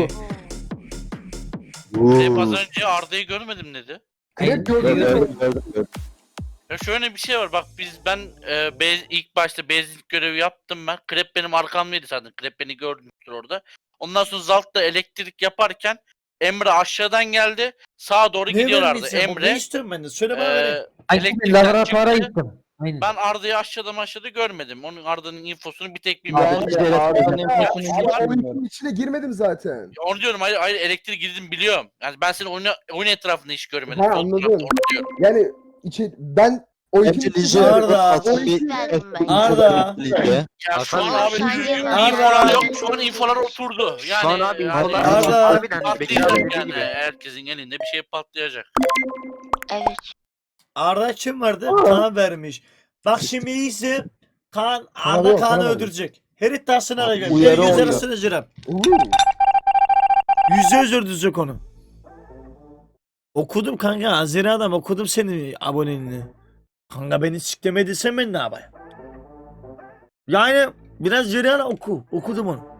[SPEAKER 10] Krep az önce Arda'yı görmedim dedi.
[SPEAKER 7] Krep
[SPEAKER 9] Gördüm,
[SPEAKER 7] gördüm.
[SPEAKER 9] gördüm, gördüm, gördüm.
[SPEAKER 10] Ya şöyle bir şey var bak biz ben e, bez, ilk başta bezlik görevi yaptım ben. Krep benim arkamdaydı zaten. Krep beni gördüğümüzdür orada. Ondan sonra Zalt'ta elektrik yaparken Emre aşağıdan geldi. Sağa doğru
[SPEAKER 1] Ne
[SPEAKER 10] gidiyorlardı.
[SPEAKER 1] vermeyeceğim?
[SPEAKER 10] Emre
[SPEAKER 1] Ne istiyorum ben de? Söyle bana
[SPEAKER 10] e,
[SPEAKER 1] vereyim.
[SPEAKER 8] Aynen
[SPEAKER 10] elektrikten
[SPEAKER 8] laboratuvara
[SPEAKER 10] çıktı.
[SPEAKER 8] gittim. Aynen.
[SPEAKER 10] Ben Arda'yı aşağıda aşağıda görmedim. Onun Arda'nın infosunu bir tek bilmiyorum.
[SPEAKER 3] Ben de Arda'nın infosunu hiç
[SPEAKER 7] Ama
[SPEAKER 3] bilmiyorum.
[SPEAKER 7] oyunun içine girmedim zaten.
[SPEAKER 10] Ya onu diyorum hayır hayır elektrik girdim biliyorum. Yani ben senin oyun, oyun etrafında hiç görmedim.
[SPEAKER 7] Ha,
[SPEAKER 10] Sol
[SPEAKER 7] anladım.
[SPEAKER 10] tarafta, orada diyorum.
[SPEAKER 7] Yani içi, ben o
[SPEAKER 9] Hepsi
[SPEAKER 7] iki
[SPEAKER 9] Lice.
[SPEAKER 1] Arda.
[SPEAKER 9] Asıl bir
[SPEAKER 5] Verdim ben.
[SPEAKER 1] Arda.
[SPEAKER 9] Lice.
[SPEAKER 10] Ya şu an
[SPEAKER 2] Hasan
[SPEAKER 10] abi
[SPEAKER 5] Hasan
[SPEAKER 10] düzgün
[SPEAKER 5] Yener.
[SPEAKER 10] infolar yok. Şu an infolar oturdu. Yani,
[SPEAKER 2] Şu an abi
[SPEAKER 10] yani
[SPEAKER 2] infolar
[SPEAKER 1] Arda.
[SPEAKER 2] harbiden Bekir abi
[SPEAKER 10] patlayacak
[SPEAKER 2] dediği
[SPEAKER 10] yani.
[SPEAKER 2] gibi.
[SPEAKER 10] Herkesin elinde bir şey patlayacak.
[SPEAKER 5] Evet.
[SPEAKER 1] Arda kim vardı?
[SPEAKER 7] Aa.
[SPEAKER 1] Kaan vermiş. Bak şimdi iyisi. Kaan,
[SPEAKER 7] Kaan
[SPEAKER 1] Arda
[SPEAKER 7] yok,
[SPEAKER 1] Kaan'ı
[SPEAKER 7] Kaan
[SPEAKER 1] öldürecek. Her iddiasını arayacak.
[SPEAKER 3] uyarı
[SPEAKER 1] Gel göz
[SPEAKER 3] oluyor.
[SPEAKER 1] arasını cırem.
[SPEAKER 7] Uuu.
[SPEAKER 1] Yüzde yüz öldürecek onu. Okudum kanka. Azeri adam okudum senin aboneliğini. Kanka beni siklemediysen ben ne yapayım? Yani biraz cereyan oku. Okudum onu.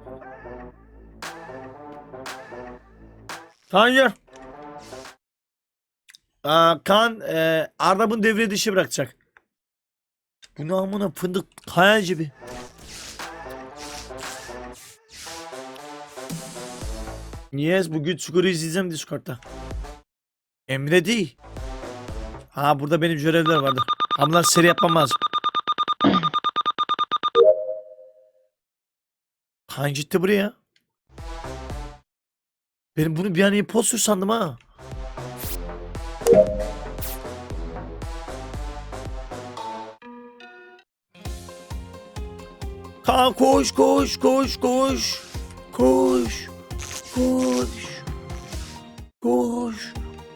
[SPEAKER 1] Kaan gel. Aa, Kaan e, Arda bunu devre dışı bırakacak. Bu namına fındık kaya gibi. Yes, bugün Çukur'u izleyeceğim Discord'da. Emre değil. Ha burada benim görevler vardı. Ama seri yapmam lazım. Kaan gitti buraya. Benim bunu bir an imposter sandım ha. Kaan koş koş koş koş. Koş. Koş. Koş.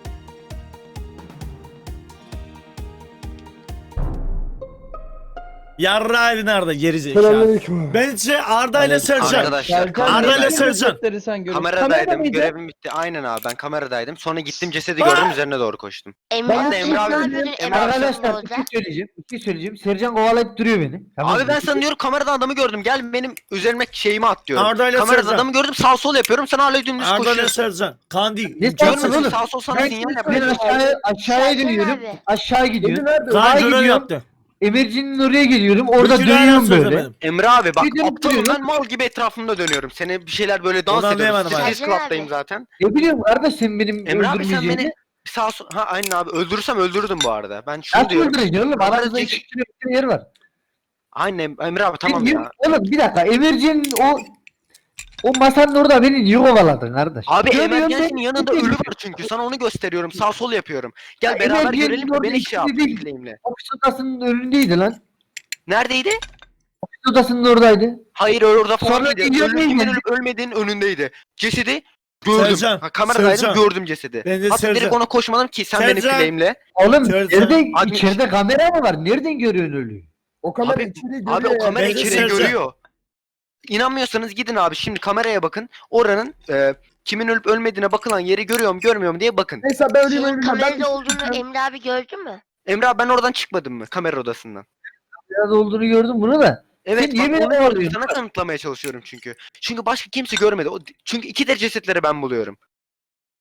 [SPEAKER 1] Yarrağıydı nerede gerizekalı.
[SPEAKER 7] Selamünaleyküm.
[SPEAKER 1] Bence Arda ile Sercan.
[SPEAKER 2] Arkadaşlar
[SPEAKER 3] Serkan
[SPEAKER 1] Arda ile
[SPEAKER 3] neden
[SPEAKER 1] Sercan.
[SPEAKER 3] cesetleri sen görüyorsun?
[SPEAKER 2] kameradaydım.
[SPEAKER 3] Kamerada mıydı?
[SPEAKER 2] Görevim bitti. Aynen abi ben kameradaydım. Sonra gittim cesedi gördüm üzerine doğru koştum.
[SPEAKER 5] Emre
[SPEAKER 7] Ben
[SPEAKER 5] abi
[SPEAKER 7] de
[SPEAKER 5] sen
[SPEAKER 2] Emre
[SPEAKER 5] ne
[SPEAKER 2] abi-
[SPEAKER 5] yapıyordun?
[SPEAKER 2] Emre
[SPEAKER 5] Emre abi sen
[SPEAKER 8] Arkadaşlar bir
[SPEAKER 5] orada.
[SPEAKER 8] şey söyleyeceğim. Bir şey söyleyeceğim. Sercan kovalayıp duruyor beni. Tamam
[SPEAKER 2] Abi
[SPEAKER 8] mı?
[SPEAKER 2] ben sana diyorum kamerada adamı gördüm. Gel benim üzerime şeyimi at diyorum.
[SPEAKER 1] Arda ile
[SPEAKER 2] Kamerada
[SPEAKER 1] Sercan.
[SPEAKER 2] adamı gördüm sağ sol yapıyorum. Sen hala dümdüz
[SPEAKER 1] Arda ile
[SPEAKER 2] koşuyorsun.
[SPEAKER 1] Sercan. Kaan değil.
[SPEAKER 8] Ne
[SPEAKER 1] İmkansız.
[SPEAKER 8] Sercan oğlum?
[SPEAKER 2] Sağ sol sana
[SPEAKER 8] Ben,
[SPEAKER 2] sinyal
[SPEAKER 8] ben
[SPEAKER 2] yapıyorum.
[SPEAKER 8] aşağıya, aşağıya
[SPEAKER 5] Sercan
[SPEAKER 8] dönüyorum.
[SPEAKER 5] abi.
[SPEAKER 8] Aşağı
[SPEAKER 7] Dedi
[SPEAKER 8] gidiyorum.
[SPEAKER 7] nerede?
[SPEAKER 1] Kaan
[SPEAKER 8] Sağa
[SPEAKER 1] görev
[SPEAKER 8] gidiyorum.
[SPEAKER 1] yaptı.
[SPEAKER 8] Emircinin oraya geliyorum. Orada
[SPEAKER 1] Bütün ayağını
[SPEAKER 8] dönüyorum böyle.
[SPEAKER 1] söylemedim.
[SPEAKER 2] Emre abi bak
[SPEAKER 8] Bir dönüp
[SPEAKER 2] aptalım ben
[SPEAKER 8] duruyorum.
[SPEAKER 2] mal gibi etrafımda dönüyorum. Seni bir şeyler böyle dans
[SPEAKER 1] Onu
[SPEAKER 2] ediyorum.
[SPEAKER 1] anlayamadım
[SPEAKER 2] Stres
[SPEAKER 5] abi.
[SPEAKER 2] club'dayım zaten.
[SPEAKER 8] Ne bileyim kardeş sen benim
[SPEAKER 2] Emre abi sen
[SPEAKER 8] öldürmeyeceğini.
[SPEAKER 2] beni sağ sol... Ha aynen abi öldürürsem öldürürdüm bu arada. Ben şunu
[SPEAKER 8] Nasıl
[SPEAKER 2] diyorum.
[SPEAKER 8] öldüreceksin oğlum?
[SPEAKER 2] Kamerada
[SPEAKER 8] Aranızda
[SPEAKER 2] çek-
[SPEAKER 8] iki kilometre yer var.
[SPEAKER 2] Aynen Emre abi tamam
[SPEAKER 8] Sen
[SPEAKER 2] ya.
[SPEAKER 8] niye- Oğlum bir dakika. Emircinin o o masanın orada beni niye kovaladın kardeş?
[SPEAKER 2] Abi
[SPEAKER 8] Görüyorum
[SPEAKER 2] emergency'nin
[SPEAKER 8] ben-
[SPEAKER 2] yanında ölü var çünkü. Sana onu gösteriyorum. Sağ sol yapıyorum. Gel
[SPEAKER 8] Ya
[SPEAKER 2] beraber
[SPEAKER 8] emergency'nin
[SPEAKER 2] görelim de
[SPEAKER 8] orada
[SPEAKER 2] beni şey
[SPEAKER 8] ikisi
[SPEAKER 2] yap.
[SPEAKER 8] değil.
[SPEAKER 2] Claim'le.
[SPEAKER 8] Ofis odasının önündeydi lan.
[SPEAKER 2] Neredeydi?
[SPEAKER 8] Ofis odasının oradaydı.
[SPEAKER 2] Hayır orada falan
[SPEAKER 8] Sonra
[SPEAKER 2] değildi.
[SPEAKER 8] gidiyor
[SPEAKER 2] Ölüm
[SPEAKER 8] değil
[SPEAKER 2] kimin
[SPEAKER 8] mi?
[SPEAKER 2] ölüp ölmediğinin önündeydi. Cesedi gördüm.
[SPEAKER 1] Sercan,
[SPEAKER 2] Ha, kameradaydım
[SPEAKER 1] Sercan.
[SPEAKER 2] gördüm cesedi.
[SPEAKER 1] Ben de
[SPEAKER 2] Hatta
[SPEAKER 1] Sercan.
[SPEAKER 2] direkt ona koşmadım ki sen beni
[SPEAKER 1] Sercan.
[SPEAKER 2] claim'le.
[SPEAKER 8] Oğlum
[SPEAKER 1] Sercan.
[SPEAKER 8] nerede
[SPEAKER 2] Abi-
[SPEAKER 8] içeride kamera mı var? Nereden görüyorsun ölüyü?
[SPEAKER 7] O kamera
[SPEAKER 2] Abi-
[SPEAKER 7] içeriği görüyor
[SPEAKER 2] Abi o
[SPEAKER 7] ya.
[SPEAKER 2] kamera
[SPEAKER 1] Ben de
[SPEAKER 2] içeriği
[SPEAKER 1] Sercan.
[SPEAKER 2] görüyor. İnanmıyorsanız gidin abi şimdi kameraya bakın. Oranın e, kimin ölüp ölmediğine bakılan yeri görüyorum görmüyorum diye bakın.
[SPEAKER 7] Neyse ben öleyim
[SPEAKER 5] Senin
[SPEAKER 7] öleyim. Ben
[SPEAKER 5] kamerada
[SPEAKER 7] bir şey
[SPEAKER 5] olduğunu
[SPEAKER 7] diyeceğim.
[SPEAKER 5] Emre abi gördü mü?
[SPEAKER 2] Emre abi ben oradan çıkmadım mı kamera odasından?
[SPEAKER 8] Biraz olduğunu gördüm bunu da.
[SPEAKER 2] Evet
[SPEAKER 8] Sen niye
[SPEAKER 2] bak
[SPEAKER 8] beni
[SPEAKER 2] onu gördüm.
[SPEAKER 8] kovalıyorsun?
[SPEAKER 2] Sana kanıtlamaya çalışıyorum çünkü. Çünkü başka kimse görmedi. O, çünkü iki de cesetleri ben buluyorum.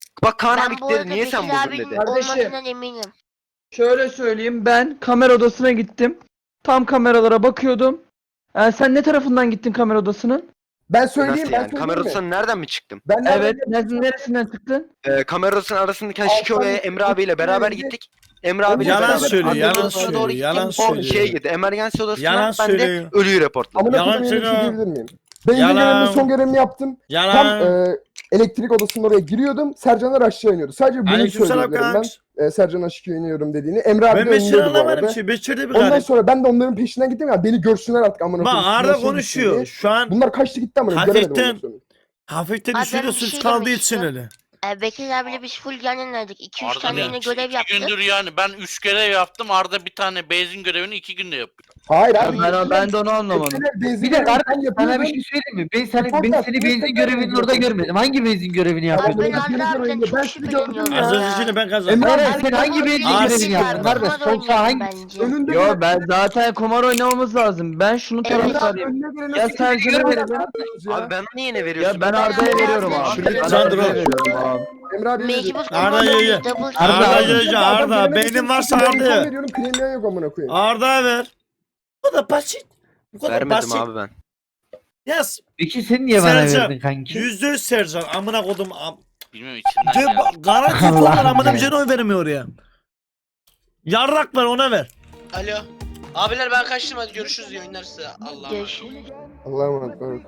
[SPEAKER 2] Bak Kaan
[SPEAKER 5] Ben
[SPEAKER 2] abi
[SPEAKER 5] bu
[SPEAKER 2] dedi
[SPEAKER 5] arada
[SPEAKER 2] niye sen
[SPEAKER 5] Bekir
[SPEAKER 2] buldun
[SPEAKER 5] abinin
[SPEAKER 2] dedi.
[SPEAKER 3] Kardeşim.
[SPEAKER 5] olmasından eminim.
[SPEAKER 3] Şöyle söyleyeyim, ben kamera odasına gittim. Tam kameralara bakıyordum. Ee, sen ne tarafından gittin kamera odasının?
[SPEAKER 7] Ben söyleyeyim,
[SPEAKER 2] Nasıl
[SPEAKER 7] ben
[SPEAKER 2] yani?
[SPEAKER 7] söyleyeyim
[SPEAKER 2] Kamera
[SPEAKER 7] mi?
[SPEAKER 2] odasından nereden mi çıktım?
[SPEAKER 7] Ben nereden
[SPEAKER 3] Evet.
[SPEAKER 7] geldim?
[SPEAKER 3] Ne- neresinden çıktın?
[SPEAKER 2] Ee, kamera odasının arasındaki Şiko ve
[SPEAKER 7] Alttan
[SPEAKER 2] Emre abiyle beraber
[SPEAKER 7] gittim.
[SPEAKER 2] gittik. Emre abiyle
[SPEAKER 1] Yalan
[SPEAKER 2] beraber.
[SPEAKER 1] söylüyor,
[SPEAKER 2] Admin
[SPEAKER 1] yalan
[SPEAKER 2] odasına
[SPEAKER 1] söylüyor,
[SPEAKER 2] doğru gittim.
[SPEAKER 1] yalan
[SPEAKER 2] O
[SPEAKER 1] söylüyor.
[SPEAKER 2] şeye girdi. Emergency odasına
[SPEAKER 1] Yalan
[SPEAKER 2] ben
[SPEAKER 1] söylüyor.
[SPEAKER 2] de ölüyü reportladım.
[SPEAKER 7] Amına
[SPEAKER 1] Yalan
[SPEAKER 7] koyayım, öyle bir şey
[SPEAKER 1] söylüyor.
[SPEAKER 7] diyebilir miyim? Benzin
[SPEAKER 1] Yalan.
[SPEAKER 7] görevinin son görevini yaptım. Tam
[SPEAKER 1] Yalan.
[SPEAKER 7] e, elektrik odasının oraya giriyordum. Sercanlar aşağı iniyordu. Sadece bunu
[SPEAKER 1] Aleykümselam
[SPEAKER 7] söyleyebilirim ben.
[SPEAKER 1] kanks.
[SPEAKER 7] E, Sercan aşağı iniyorum dediğini. Emre abi
[SPEAKER 1] Ben
[SPEAKER 7] de
[SPEAKER 1] Beşir'i
[SPEAKER 7] önündeydi bu
[SPEAKER 1] anlamadım
[SPEAKER 7] arada.
[SPEAKER 1] ki. Beşir'de bir
[SPEAKER 7] Ondan
[SPEAKER 1] garip.
[SPEAKER 7] sonra ben de onların peşinden gittim ya. Beni görsünler artık amına
[SPEAKER 1] Bak
[SPEAKER 7] koyayım.
[SPEAKER 1] Arda
[SPEAKER 7] Nasıl
[SPEAKER 1] konuşuyor.
[SPEAKER 7] gittiğini.
[SPEAKER 1] Şu an
[SPEAKER 7] Bunlar kaçtı gitti amına koyayım. Göremedim ondan
[SPEAKER 1] hafiften
[SPEAKER 7] sonra.
[SPEAKER 1] hafiften
[SPEAKER 5] Abi
[SPEAKER 1] üstüne
[SPEAKER 5] ben bir
[SPEAKER 1] sus
[SPEAKER 5] şey
[SPEAKER 1] kaldığı
[SPEAKER 5] demek
[SPEAKER 1] için
[SPEAKER 5] istiyorum.
[SPEAKER 1] öyle.
[SPEAKER 5] Ee, Bekir abiyle biz full yan yanaydık. iki üç
[SPEAKER 10] Arda
[SPEAKER 5] tane
[SPEAKER 10] ne?
[SPEAKER 5] yine
[SPEAKER 10] İki,
[SPEAKER 5] görev
[SPEAKER 10] iki
[SPEAKER 5] yaptık.
[SPEAKER 10] gündür yani ben üç görev yaptım. Arda bir tane benzin görevini iki günde yapıyor.
[SPEAKER 7] Hayır
[SPEAKER 3] Ben,
[SPEAKER 7] abi.
[SPEAKER 3] ben, ben de onu anlamadım.
[SPEAKER 7] Eskiden benzin
[SPEAKER 8] Bir de
[SPEAKER 7] görevini
[SPEAKER 8] kardeş
[SPEAKER 7] ben
[SPEAKER 8] sana bir
[SPEAKER 7] yapıyordum.
[SPEAKER 8] şey söyleyeyim mi? Ben seni, ben
[SPEAKER 7] Fakat
[SPEAKER 8] seni
[SPEAKER 7] bir
[SPEAKER 8] benzin
[SPEAKER 7] tekrar
[SPEAKER 8] görevinin orada
[SPEAKER 7] yapıyorum.
[SPEAKER 8] görmedim. Hangi benzin görevini
[SPEAKER 5] Abi
[SPEAKER 8] yapıyordun?
[SPEAKER 5] ben
[SPEAKER 7] Yapıyordum.
[SPEAKER 5] Arda abiden
[SPEAKER 7] Ben
[SPEAKER 5] çok
[SPEAKER 7] sizi
[SPEAKER 5] şüpheleniyorum
[SPEAKER 7] gördüm
[SPEAKER 5] ya.
[SPEAKER 1] Az öncekini ben kazandım.
[SPEAKER 8] Hayır,
[SPEAKER 5] Abi
[SPEAKER 8] hayır, sen
[SPEAKER 5] ben
[SPEAKER 8] hangi
[SPEAKER 5] bu
[SPEAKER 8] benzin
[SPEAKER 5] oyunu
[SPEAKER 1] görevini
[SPEAKER 5] bilmiyorum.
[SPEAKER 8] yaptın? Nerede?
[SPEAKER 5] Kumar
[SPEAKER 8] Sol sağ
[SPEAKER 5] oynuyorum
[SPEAKER 8] hangi-
[SPEAKER 5] bence.
[SPEAKER 7] Önünde
[SPEAKER 3] Yo
[SPEAKER 7] bir-
[SPEAKER 3] ben zaten kumar oynamamız lazım. Ben şunun
[SPEAKER 5] Evet.
[SPEAKER 3] taraftarıyım.
[SPEAKER 7] Önüne gelene
[SPEAKER 3] Ya
[SPEAKER 7] sıkıntı
[SPEAKER 3] Sercan'ı
[SPEAKER 7] yok.
[SPEAKER 3] verelim.
[SPEAKER 2] Abi ben niye yine veriyorsun?
[SPEAKER 3] Ya ben
[SPEAKER 5] Ben
[SPEAKER 3] Arda'ya
[SPEAKER 5] Arda'ya
[SPEAKER 3] veriyorum
[SPEAKER 5] veriyorum.
[SPEAKER 3] abi.
[SPEAKER 5] Şurada
[SPEAKER 3] Ben
[SPEAKER 1] Sandro.
[SPEAKER 3] Arda'ya veriyorum abi.
[SPEAKER 7] Emre abi
[SPEAKER 5] Mecbur
[SPEAKER 1] Arda
[SPEAKER 5] kumar
[SPEAKER 1] ye, ye.
[SPEAKER 5] oynuyoruz. Double
[SPEAKER 8] Arda,
[SPEAKER 1] Arda
[SPEAKER 8] Arda.
[SPEAKER 1] Gece Arda. Beynin varsa Arda'ya ver.
[SPEAKER 7] veriyorum. Kremliğe yok amına koyayım.
[SPEAKER 1] Arda'ya ver. Bu kadar basit. Bu kadar
[SPEAKER 2] Vermedim
[SPEAKER 1] basit.
[SPEAKER 2] abi ben.
[SPEAKER 1] Yaz.
[SPEAKER 8] Peki sen niye bana
[SPEAKER 1] Sercan,
[SPEAKER 8] verdin kanki?
[SPEAKER 1] Yüzde yüz Sercan. Amına kodum. Am
[SPEAKER 10] Bilmiyorum içinden
[SPEAKER 1] De,
[SPEAKER 10] geldi.
[SPEAKER 1] garanti
[SPEAKER 8] Allah'ım
[SPEAKER 1] falan amına
[SPEAKER 8] ya.
[SPEAKER 1] bir şey oy vermiyor ya. Yarrak ver ona ver.
[SPEAKER 4] Alo. Abiler ben kaçtım hadi görüşürüz iyi oyunlar size. Allah'a emanet.
[SPEAKER 5] Görüşürüz.
[SPEAKER 7] Allah'a emanet olun.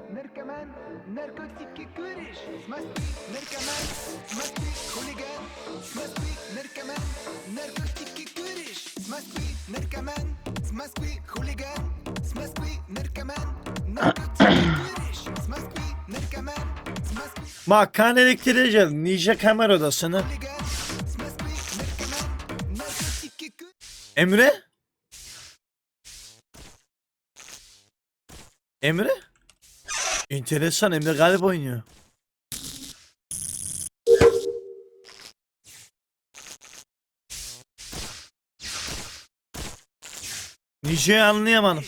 [SPEAKER 1] Bak kan elektriğe geldi. Ninja kamera odasını. Emre? Emre? Enteresan, Emre galip oynuyor. Ninja'yı anlayamadım.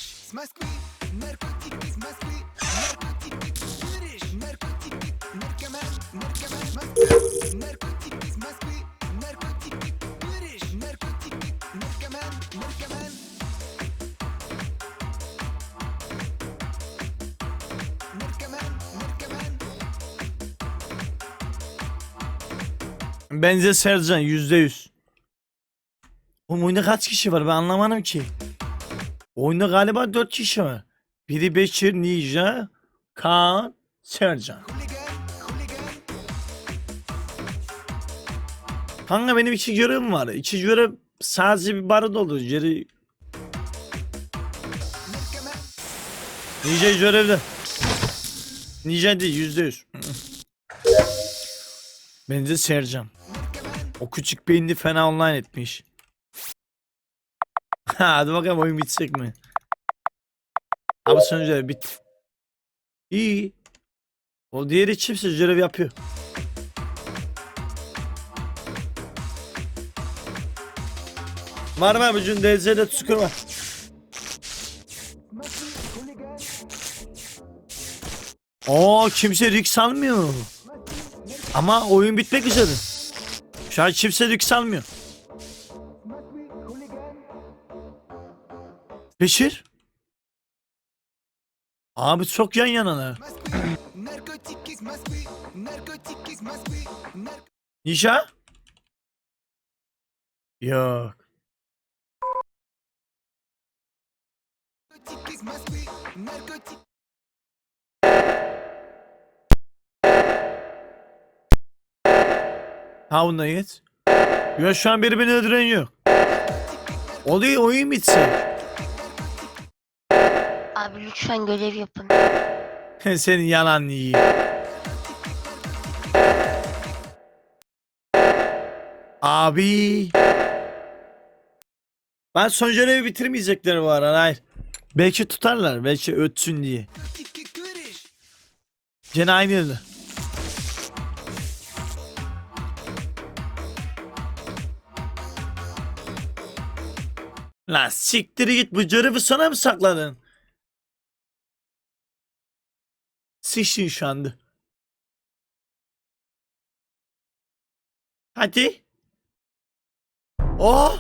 [SPEAKER 1] Bence Sercan yüzde yüz. Oğlum oyunda kaç kişi var ben anlamadım ki. Oyunda galiba dört kişi var. Biri Beşir, Ninja, Kaan, Sercan. Kanka benim iki görevim var. İki görev sadece bir barı doldu. Geri... Ninja görevde. Ninja değil yüzde yüz. Bence Sercan. O küçük beyinli fena online etmiş. Ha, hadi bakalım oyun bitecek mi? Abi sonucu bit. İyi. O diğeri kimse görev yapıyor. Var mı bugün D Z'de tüskür var. Oo kimse risk almıyor. Ama oyun bitmek üzere. Şu an kimse risk almıyor. Beşir. Abi çok yan yanalar. Nişa? Yok. Ha bunda git. Ya şu an biri beni öldüren yok. Oluyor oyun bitsin.
[SPEAKER 5] Abi lütfen görev yapın.
[SPEAKER 1] Senin yalan yiyeyim. Abi. Ben son görevi bitirmeyecekler bu ara. Hayır. Belki tutarlar. Belki ötsün diye. Gene aynı yerde. Lan siktir git, bu görevi sana mı sakladın? Sıçtın şu anda. Hadi. Oh.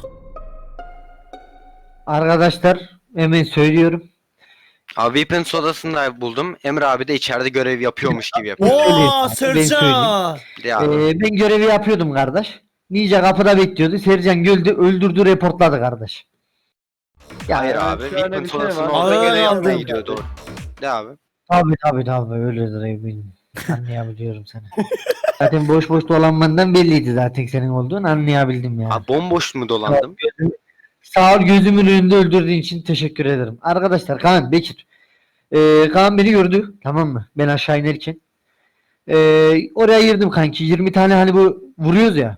[SPEAKER 8] Arkadaşlar hemen söylüyorum.
[SPEAKER 2] Abi Weapons odasında buldum. Emre abi de içeride görev yapıyormuş gibi yapıyor.
[SPEAKER 1] Oo
[SPEAKER 8] Ben söyleyeyim.
[SPEAKER 1] Sercan.
[SPEAKER 2] Ya abi.
[SPEAKER 8] Ee, ben görevi yapıyordum kardeş. Ninja kapıda bekliyordu. Sercan güldü, öldürdü, reportladı kardeş. Ya,
[SPEAKER 2] Hayır
[SPEAKER 3] evet,
[SPEAKER 2] abi.
[SPEAKER 3] şöyle bir
[SPEAKER 2] Weapons
[SPEAKER 3] şey
[SPEAKER 2] odasında
[SPEAKER 3] var.
[SPEAKER 2] orada
[SPEAKER 1] Aa,
[SPEAKER 2] görev yapmaya
[SPEAKER 1] aldım.
[SPEAKER 2] gidiyordu. De abi.
[SPEAKER 8] Tabii tabii tabii öyledir eminim. Anlayabiliyorum seni. Zaten boş boş dolanmandan belliydi zaten senin olduğun, anlayabildim yani.
[SPEAKER 2] Abi bomboş mu dolandım?
[SPEAKER 8] Sağ ol, gözümün önünde öldürdüğün için teşekkür ederim. Arkadaşlar Kaan, Bekir. Ee, Kaan beni gördü, tamam mı? Ben aşağı inerken. Ee, oraya girdim kanki. yirmi tane hani bu vuruyoruz ya.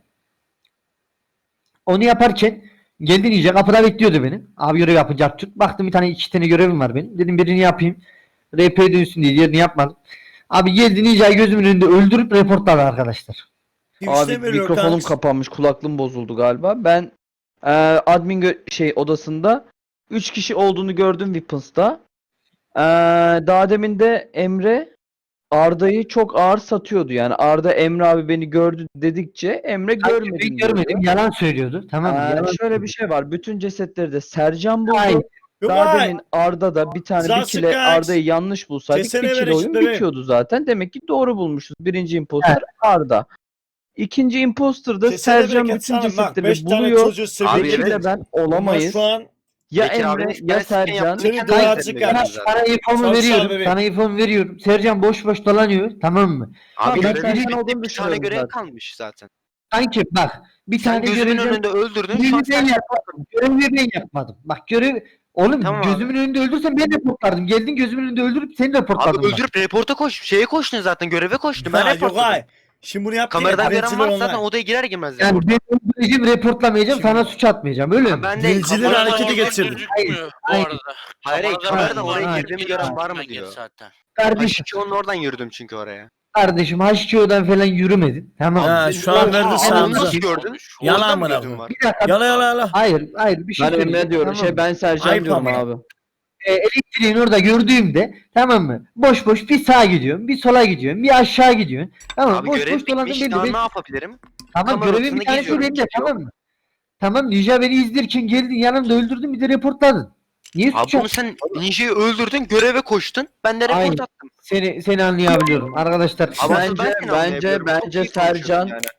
[SPEAKER 8] Onu yaparken geldi Ninja kapıda bekliyordu beni. Abi görev yapacak tut. Baktım bir tane iki tane görevim var benim. Dedim birini yapayım. R P dönsün diye diğerini yapmadım. Abi geldi Ninja'yı gözümün önünde öldürüp reportladı arkadaşlar.
[SPEAKER 3] Abi mikrofonum kapanmış, kulaklığım bozuldu galiba. Ben e, admin gö- şey odasında üç kişi olduğunu gördüm Weapons'ta. E, daha demin de Emre Arda'yı çok ağır satıyordu. Yani Arda Emre abi beni gördü dedikçe Emre görmedim
[SPEAKER 8] Ben görmedim.
[SPEAKER 3] diyordu.
[SPEAKER 8] Yalan söylüyordu. Tamam mı?
[SPEAKER 3] E,
[SPEAKER 8] Yalan
[SPEAKER 3] şöyle bir şey var. Bütün cesetleri de Sercan buldu.
[SPEAKER 8] Hayır.
[SPEAKER 3] Daha demin Arda da bir tane bir
[SPEAKER 1] Zaten
[SPEAKER 3] kile
[SPEAKER 1] kaç.
[SPEAKER 3] Arda'yı yanlış bulsaydık
[SPEAKER 1] Kesene
[SPEAKER 3] bir
[SPEAKER 1] ver
[SPEAKER 3] kile oyun
[SPEAKER 1] eşitleri.
[SPEAKER 3] bitiyordu zaten. Demek ki doğru bulmuşuz. Birinci imposter Arda. İkinci imposter da
[SPEAKER 1] Kesene
[SPEAKER 3] Sercan
[SPEAKER 1] bereket
[SPEAKER 3] bütün
[SPEAKER 1] sana. Bak
[SPEAKER 3] cesetleri
[SPEAKER 1] beş tane
[SPEAKER 3] buluyor.
[SPEAKER 1] çocuğu seviyor.
[SPEAKER 2] Abi
[SPEAKER 3] Bekir'le
[SPEAKER 2] evet.
[SPEAKER 3] ben olamayız.
[SPEAKER 1] Şu an
[SPEAKER 3] Ya
[SPEAKER 2] Bekir
[SPEAKER 3] Emre
[SPEAKER 2] abinin
[SPEAKER 3] ya
[SPEAKER 2] ben sizin
[SPEAKER 3] Sercan.
[SPEAKER 2] yaptığını
[SPEAKER 1] Seni
[SPEAKER 2] kendi
[SPEAKER 1] duvara
[SPEAKER 2] hayatımda
[SPEAKER 1] çıkar.
[SPEAKER 2] gördüm zaten.
[SPEAKER 8] Sana infomu
[SPEAKER 1] Sağ ol
[SPEAKER 8] veriyorum.
[SPEAKER 1] bebeğim.
[SPEAKER 8] Sana infomu veriyorum. Sercan boş boş dolanıyor. Tamam mı?
[SPEAKER 2] Abi
[SPEAKER 3] ben
[SPEAKER 2] görev
[SPEAKER 3] Sercan
[SPEAKER 2] bitti,
[SPEAKER 3] olduğunu
[SPEAKER 2] bir tane
[SPEAKER 3] düşünüyorum
[SPEAKER 2] görev
[SPEAKER 3] zaten.
[SPEAKER 2] kalmış zaten.
[SPEAKER 8] Sanki bak bir
[SPEAKER 2] Sen
[SPEAKER 8] tane
[SPEAKER 2] gözümün
[SPEAKER 8] görevden
[SPEAKER 2] önünde öldürdün.
[SPEAKER 8] görevi
[SPEAKER 2] Şu an
[SPEAKER 8] ben
[SPEAKER 2] sen
[SPEAKER 8] yapmadım. Görevi ben yapmadım. Bak görev oğlum
[SPEAKER 2] Tamam
[SPEAKER 8] gözümün önünde öldürsen ben reportlardım. Geldin gözümün önünde öldürüp seni reportladım.
[SPEAKER 2] Abi
[SPEAKER 8] bak.
[SPEAKER 2] öldürüp reporta koş. Şeye koştun zaten. Göreve koştun. Ben
[SPEAKER 1] Ha, yok
[SPEAKER 2] reportladım.
[SPEAKER 1] ay. Şimdi bunu yaptın
[SPEAKER 2] Kameradan
[SPEAKER 1] ya.
[SPEAKER 2] gören
[SPEAKER 1] Birinci
[SPEAKER 2] varsa
[SPEAKER 1] onlar.
[SPEAKER 2] zaten odaya girer girmez
[SPEAKER 8] Yani
[SPEAKER 2] reporta.
[SPEAKER 8] ben öldüreceğim, reportlamayacağım,
[SPEAKER 1] Şimdi-
[SPEAKER 8] sana suç atmayacağım. Öyle
[SPEAKER 2] Ha,
[SPEAKER 8] mi?
[SPEAKER 2] ben de
[SPEAKER 1] Dilciler
[SPEAKER 2] kameradan
[SPEAKER 1] hareketi
[SPEAKER 2] oraya-
[SPEAKER 1] geçirdi.
[SPEAKER 10] Gözükmüyor bu
[SPEAKER 8] Hayır.
[SPEAKER 10] arada.
[SPEAKER 2] Hayır hayır
[SPEAKER 10] Kameradan
[SPEAKER 2] kameradan
[SPEAKER 8] Hayır,
[SPEAKER 2] oraya
[SPEAKER 8] hayır.
[SPEAKER 2] girdiğimi gören var mı
[SPEAKER 10] Gel
[SPEAKER 2] diyor.
[SPEAKER 10] zaten.
[SPEAKER 8] Kardeşim,
[SPEAKER 2] H iki O'nun oradan yürüdüm çünkü oraya.
[SPEAKER 8] kardeşim H iki O'dan falan yürümedin. Tamam mı?
[SPEAKER 1] Ha, şu an verdi
[SPEAKER 2] Aa,
[SPEAKER 1] sağımıza.
[SPEAKER 2] onu nasıl gördün?
[SPEAKER 1] Yalan
[SPEAKER 2] Oradan mı
[SPEAKER 1] amına
[SPEAKER 2] gözün
[SPEAKER 1] koyayım.
[SPEAKER 2] var?
[SPEAKER 8] Bir dakika.
[SPEAKER 1] Yala yala yala.
[SPEAKER 8] Hayır, hayır bir şey
[SPEAKER 3] Ben Emre
[SPEAKER 8] söyleyeceğim,
[SPEAKER 3] diyorum.
[SPEAKER 8] tamam
[SPEAKER 3] Şey
[SPEAKER 8] mı?
[SPEAKER 3] ben Sercan
[SPEAKER 1] Ayıp
[SPEAKER 3] diyorum
[SPEAKER 1] ama.
[SPEAKER 3] abi.
[SPEAKER 8] E, elektriğin orada gördüğümde tamam mı? Boş boş bir sağa gidiyorum, bir sola gidiyorum, bir aşağı gidiyorum. Tamam
[SPEAKER 2] Abi
[SPEAKER 8] boş
[SPEAKER 2] görev
[SPEAKER 8] boş dolandım
[SPEAKER 2] bitmiş.
[SPEAKER 8] belli.
[SPEAKER 2] Daha
[SPEAKER 8] Ben-
[SPEAKER 2] ne yapabilirim?
[SPEAKER 8] Tamam
[SPEAKER 2] kamera
[SPEAKER 8] görevin
[SPEAKER 2] odasında
[SPEAKER 8] bir tanesi
[SPEAKER 2] geziyorum,
[SPEAKER 8] bende
[SPEAKER 2] kimse yok.
[SPEAKER 8] tamam mı? Tamam Ninja beni izlerken geldin yanımda öldürdün bir de reportladın. Niye
[SPEAKER 2] Abi
[SPEAKER 8] suç
[SPEAKER 2] bunu
[SPEAKER 8] attın?
[SPEAKER 2] sen Ninja'yı öldürdün, göreve koştun. Ben de report
[SPEAKER 8] Aynen.
[SPEAKER 2] attım.
[SPEAKER 8] Seni seni anlayabiliyorum arkadaşlar.
[SPEAKER 2] Ama asıl ben
[SPEAKER 3] Bence
[SPEAKER 2] seni
[SPEAKER 3] bence
[SPEAKER 2] anlayabiliyorum. Çok
[SPEAKER 3] bence
[SPEAKER 2] iyi konuşuyorsun
[SPEAKER 3] Sercan
[SPEAKER 2] yani.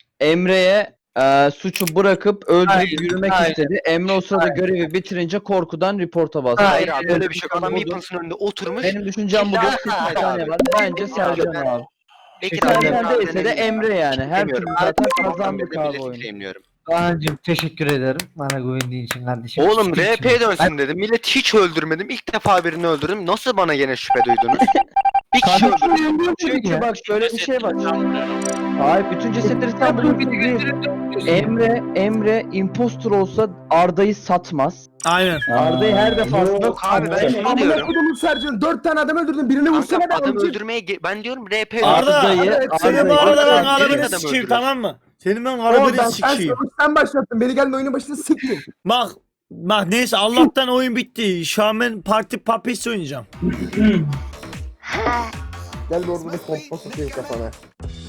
[SPEAKER 3] Emre'ye e, suçu bırakıp öldürüp
[SPEAKER 8] Aynen,
[SPEAKER 3] yürümek
[SPEAKER 8] aynen.
[SPEAKER 3] istedi. Emre o sırada görevi bitirince korkudan reporta bastı.
[SPEAKER 2] Hayır
[SPEAKER 8] Aynen
[SPEAKER 2] abi
[SPEAKER 8] öyle.
[SPEAKER 2] öyle bir şey yok. Adam
[SPEAKER 3] Budur.
[SPEAKER 2] Weapons'ın önünde oturmuş.
[SPEAKER 3] Benim düşüncem bu.
[SPEAKER 2] İlla-
[SPEAKER 3] Bir tane var. Bence
[SPEAKER 2] Bekir
[SPEAKER 3] Sercan
[SPEAKER 2] abi,
[SPEAKER 3] abi.
[SPEAKER 2] Bekir
[SPEAKER 8] Teşekkür
[SPEAKER 2] abi,
[SPEAKER 3] Sercan
[SPEAKER 2] ben
[SPEAKER 3] değilse de
[SPEAKER 2] deneyim.
[SPEAKER 3] Emre yani. Her türlü
[SPEAKER 2] Demiyorum.
[SPEAKER 3] zaten
[SPEAKER 2] Sabahtan
[SPEAKER 3] kazandık
[SPEAKER 2] beri
[SPEAKER 3] abi
[SPEAKER 2] milleti
[SPEAKER 3] oyunu.
[SPEAKER 2] claimliyorum.
[SPEAKER 8] Kaan'cığım teşekkür ederim bana güvendiğin için kardeşim.
[SPEAKER 2] Oğlum
[SPEAKER 8] Ciddi
[SPEAKER 2] R P
[SPEAKER 8] için.
[SPEAKER 2] dönsün dedim. Millet hiç öldürmedim. İlk defa birini öldürdüm. Nasıl bana gene şüphe duydunuz? Bir kişi
[SPEAKER 3] Kardeşim,
[SPEAKER 2] öldürdüm.
[SPEAKER 3] Çünkü bak şöyle bir şey var.
[SPEAKER 10] Sanmıyorum.
[SPEAKER 3] Hayır bütün cesetleri sen buluyorsun değil. Emre, Emre impostor olsa Arda'yı satmaz.
[SPEAKER 1] Aynen.
[SPEAKER 3] Arda'yı her defasında
[SPEAKER 2] Yok abi, ben
[SPEAKER 3] satacak.
[SPEAKER 2] şunu
[SPEAKER 7] Amına
[SPEAKER 2] diyorum.
[SPEAKER 7] kodumun Sercan dört tane adam öldürdün. Birini
[SPEAKER 2] Kanka
[SPEAKER 7] vursana be
[SPEAKER 2] adam
[SPEAKER 7] amcık.
[SPEAKER 2] öldürmeye ge- ben diyorum R P
[SPEAKER 1] Arda,
[SPEAKER 3] Arda'yı,
[SPEAKER 7] Evet,
[SPEAKER 1] Senin
[SPEAKER 3] Arda'yı-
[SPEAKER 1] bu arada ben
[SPEAKER 2] Arda'yı-
[SPEAKER 1] arabanı
[SPEAKER 2] Adam
[SPEAKER 1] sikeyim
[SPEAKER 2] öldürür.
[SPEAKER 1] tamam mı? Senin ben
[SPEAKER 7] Oradan
[SPEAKER 1] arabanı
[SPEAKER 7] sen
[SPEAKER 1] sikeyim.
[SPEAKER 7] savaşı sen başlattın. Beni geldin oyunun başında siktin.
[SPEAKER 1] Bak bak neyse Allah'tan oyun bitti. Şu an ben parti papis oynayacağım.
[SPEAKER 5] Ha.
[SPEAKER 7] Gel bir orada bir pompa sıkayım kafana.